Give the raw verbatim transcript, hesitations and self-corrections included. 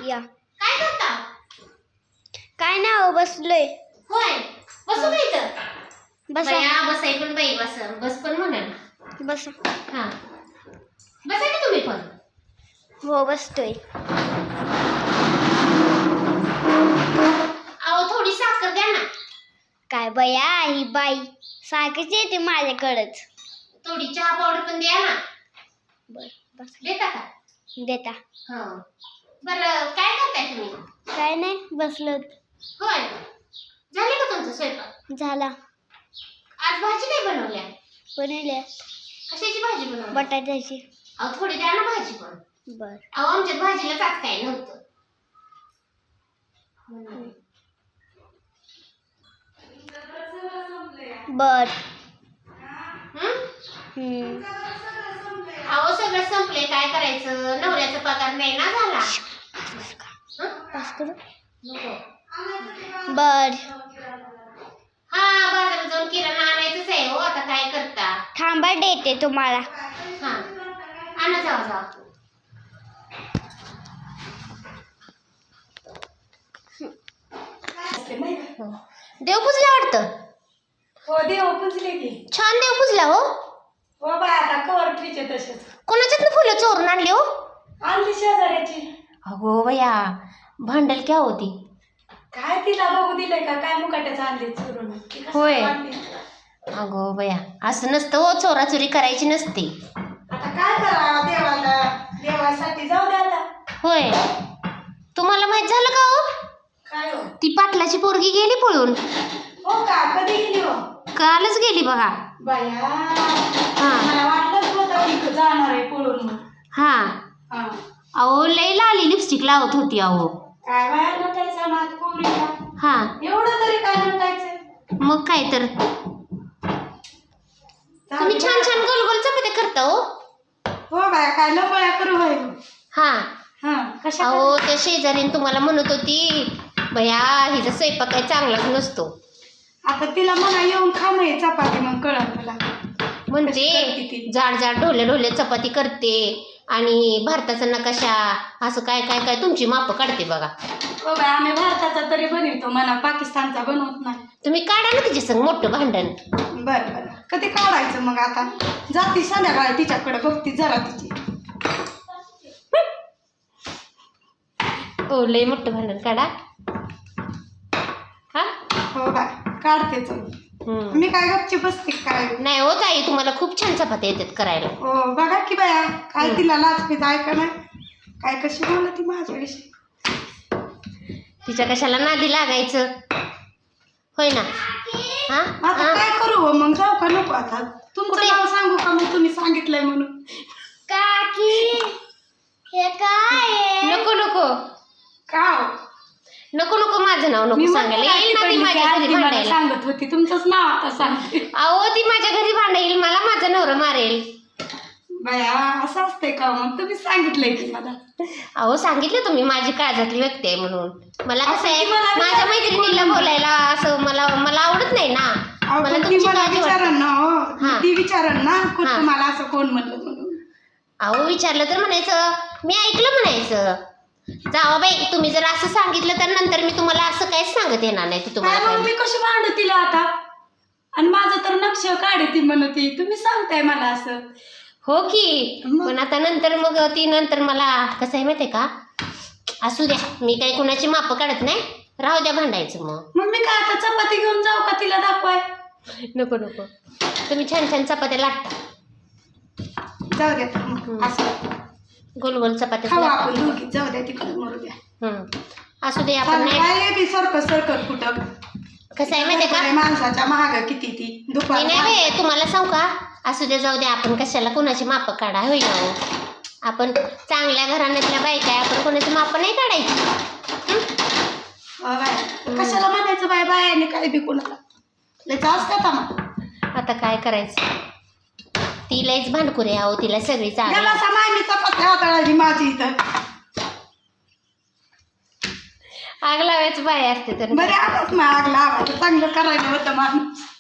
या काय करता? काय नाही हो बसलोय. होय बसू का इथं? बसा बया बसाय पण बाई बस बस पण म्हणा बसा. हा बसा की तुम्ही पण. हो बसतोय. अहो थोडी साखर द्या ना. काय बया ही बाई सारखीच येते माझ्याकडच. थोडी चहा पावडर पण द्या ना. बर बस देता का? देता. हो बरं काय करताय तुम्ही? काय नाही बसलो. होय झाले का तुमचं स्वयंपाक? झाला. आज भाजी काय बनवल्या? बनवल्या. कशाची भाजी बनवली? बटाट्याची. अहो थोडी द्या ना भाजी पण. बर अहो आमच्यात भाजीला काय काय नव्हतं. बर हं? हम्म अहो सगळं संपले काय करायचं? नवऱ्याचा पगार नाही ना झाला. हं? बस करू. नको. बर हा बाजारात जाऊन किराणा आणायचंच आहे हो. आता काय करता? थांबा देते तुम्हाला. हा आणा जावा जावा. देव पुजला वाटतं. हो देव पुजले की. छान देव पुजला हो. हो बाय आता कवर ठेचे तसेच कोणाच्यात फुलं चोरून आणली हो? आणली शेजाऱ्याची. अगो बया भांडल क्या होती? काय तिला बघू दिलंय का काय मुकाट्याचं आणले चोरून ती कसं होय. आणली? अगो बया असं नसतं हो. चोराचोरी करायची नसते. आता काय करा देवाला देवासाठी जाऊ दे आता. होय तुम्हाला माहित झालं का हो? काय हो ती पाटलाची पोरगी गेली पळून. हो का कधी गेली हो? कालच गेली बघा. बाया हा मला वाटलंच होतं की जाणार आहे पळून म्हणून. हा हा अहो लई लाली लिपस्टिक लावत होती अहो. काय बाया नटायचं ना पोरीला. हा एवढं तरी काय नटायचं. मग काय तर तुम्ही छान छान गोल गोल चपात्या करता हो. हो बाया काय लपळ्या करू होय. हा हा कशा अहो त्या शेजारीने तुम्हाला म्हणत होती भया हिचा स्वयंपाक काही चांगलाच नसतो. आता तिला म्हणा येऊन खा मग चपाती मग कळत मला. म्हणजे कशी करते ती? जाड जाड ढोले ढोले चपाती करते आणि भारताचा नकाशा असं काय काय काय तुमची माप काढते बघा. हो बाय आम्ही भारताचा तरी बनवतो म्हणा पाकिस्तानचा बनवत नाही. तुम्ही काढा ना तिच्या संग मोठं भांडण. बरं बरं कधी काढायचं मग आता जाती संध्याकाळी तिच्याकडे बघती जरा तिची. हो लय मोठं भांडण काढा. हा हो बाय काढतेच हम्म. मी काय गपची बसते काय. नाही हो ताई तुम्हाला खूप छान चपात्या येतात करायला. हो बघा की बाया काय तिला लाजपीत ऐका नाही काय कशी बोलत ती माझ्याविषयी. तिच्या कशाला नादी लागायचं होय ना. हा आता हा? काय करू हो मग जाऊ का नको आता तुमचं कुठे? नाव सांगू का मग तुम्ही सांगितलंय म्हणून. काकी हे काय आहे? नको नको का हो? नको नको माझं नाव मी नको सांगायला. येईल ना ती माझ्या घरी मला भांडायला. सांगत होती तुमचंच नाव आता सांगते. अहो ती माझ्या घरी भांडाईल मला माझा नवरा मारेल. बाया असं असतंय का मग तुम्ही सांगितलंय की मला. अहो सांगितलं तुम्ही माझी काळजातली व्यक्ती आहे म्हणून. मला कसं आहे असं ती मला माझ्या विचारायची मैत्रिणीला कोण? बोलायला असं मला मला आवडत नाही ना. अहो, मला पण ती तुमची मला काळजी वाटते. विचारन ना हो हा. ती विचारन ना कोण हा. तुम्हाला असं कोण म्हणलं म्हणून. अहो विचारलं तर म्हणायचं मी ऐकलं म्हणायचं. जावा बाई तुम्ही जर असं सांगितलं तर नंतर मी तुम्हाला असं काहीच सांगत येणार नाही. ती काय तुम्हाला मग काय- मी कशी भांडू तिला आता आणि माझं तर नक्ष काढे ती म्हणती तुम्ही सांगताय मला असं. हो की मग? पण आता नंतर मग ती नंतर मला कसं आहे माहितीये का असू द्या मी काही कुणाची माप काढत नाही. राहू द्या भांडायचं मग. मग मी काय आता चपाती घेऊन जाऊ का तिला दाखवाय. नको नको तुम्ही छान छान चपात्या लाटता. जाऊ द्या मग, असं गोल गोल चपात्या खाऊ लाटता. आपण दोघी जाऊ द्या तिकडे मरू द्या. हम्म. असू दे आपण चालेल, नाही काय बी सरकत सरकत कुठं कसं आहे माहितीये का माणसाच्या महाग किती ती नाही दुपार नाही बे, तुम्हाला सांगू का असू दे जाऊ दे आपण कशाला कोणाची माप काढा होईल हो. आपण चांगल्या घराण्यातल्या बायका आहे, आपण कोणाची माप नाही काढायची. अ बाय, कशाला म्हणायचं बाय बाय आणि काय बी कोणाला लय असतात मग. आता काय करायचं ती लयच भांडकुरे आहो. तिला सगळी चांगली याला समाय मी चपाती हाताळायची माझी इथं. आग लावायचं बाय असते तर बरे आताच मग आग लावायचं चांगलं करायला होतं माणूस.